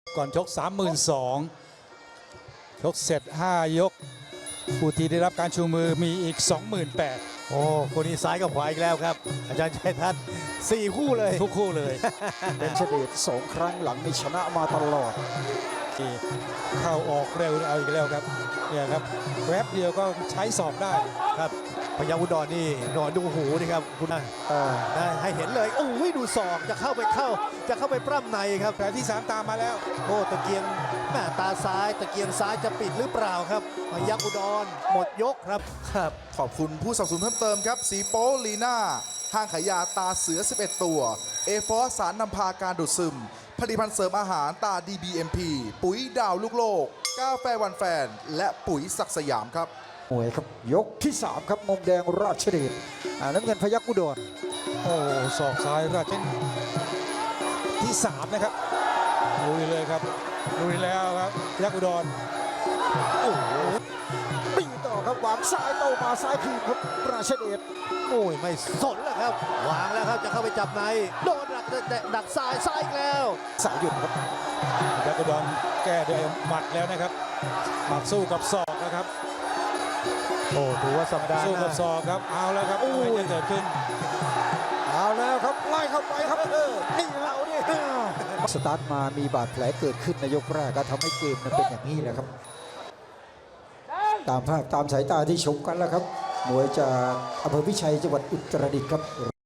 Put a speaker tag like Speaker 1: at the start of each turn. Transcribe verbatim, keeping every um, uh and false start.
Speaker 1: ก่อนชก สามหมื่นสองพัน ชกเสร็จห้ายกผู้ที่ได้รับการชูมือมีอีก สองหมื่นแปดพัน
Speaker 2: โอ้คนนี้ซ้ายกับขวาอีกแล้วครับ อาจารย์ชัยทัศน์สี่คู่เลย
Speaker 1: ทุกคู่เลย
Speaker 3: เป็นเฉดดสองครั้งหลังนี่ชนะมาตลอด
Speaker 1: ที่เข้าออกเร็วเอาอีกแล้วครับเนี่ยครับแวบเดียวก็ใช้สอบได้
Speaker 2: ครับพยัคฆ์อุดรนี่นอนดูหูนี่ครับคุณนะ
Speaker 3: เออ
Speaker 2: ได้ให้เห็นเลยโอ้ยดูศอกจะเข้าไปเข้า จะเข้าไปปล้ำในครับ
Speaker 1: แต่ที่สามตามมาแล้ว
Speaker 2: โอ้ตะเกียงแม่ตาซ้ายตะเกียงซ้ายจะปิดหรือเปล่าครับพยัคฆ์อุดรหมดยกครับครับ
Speaker 4: ขอบคุณผู้สนับสนุนเพิ่มเติมครับ สีโป้ลีน่า ห้างขายยาตาเสือ สิบเอ็ด ตัว เอฟอสสารนำพาการดูดซึม ผลิตภัณฑ์เสริมอาหารตา ดี บี เอ็ม พี ปุ๋ยดาวลูกโลก กาแฟวันแฟน และปุ๋ยศักดิ์สยามครับ
Speaker 3: มวยครับยกที่สามครับมุมแดงราชเดชอ่าน้ำเงินพยัคฆ์อุดร
Speaker 1: โอ้ศอกซ้ายราชเป็นที่สามนะครับลุยเลยครับลุยแล้วครับยักษ์อุดรโอ้โห
Speaker 3: ตีต่อครับวางซ้ายโต้มาซ้ายคืนครับราชเดช
Speaker 2: โอ้ยไม่สนแล้วครับวางแล้วครับจะเข้าไปจับในโดนดักดักซ้ายซ้ายอีกแล้ว
Speaker 3: สายหยุดครับ
Speaker 1: ยักษ์อุดรแก้ด้วยหมัดแล้วนะครับหมัดสู้กับศอกนะครับ
Speaker 2: โอ้ถือว่าสัปดาห์
Speaker 1: สู้
Speaker 2: ห
Speaker 1: กับ
Speaker 2: น้า
Speaker 1: ศอกครับเอาแล้วครับอะไรจะเกิดขึ้น
Speaker 3: เอาแล้วครับไล่เข้าไปครับเออนี่เราเนี่ยสตาร์ทมามีบาดแผลเกิดขึ้นในยกแรกก็ทำให้เกมนั้นเป็นอย่างนี้แหละครับ ตามภาพตามสายตาที่ชมกันแล้วครับมวยจากอำเภอพิชัยจังหวัดอุตรดิตถ์ครับ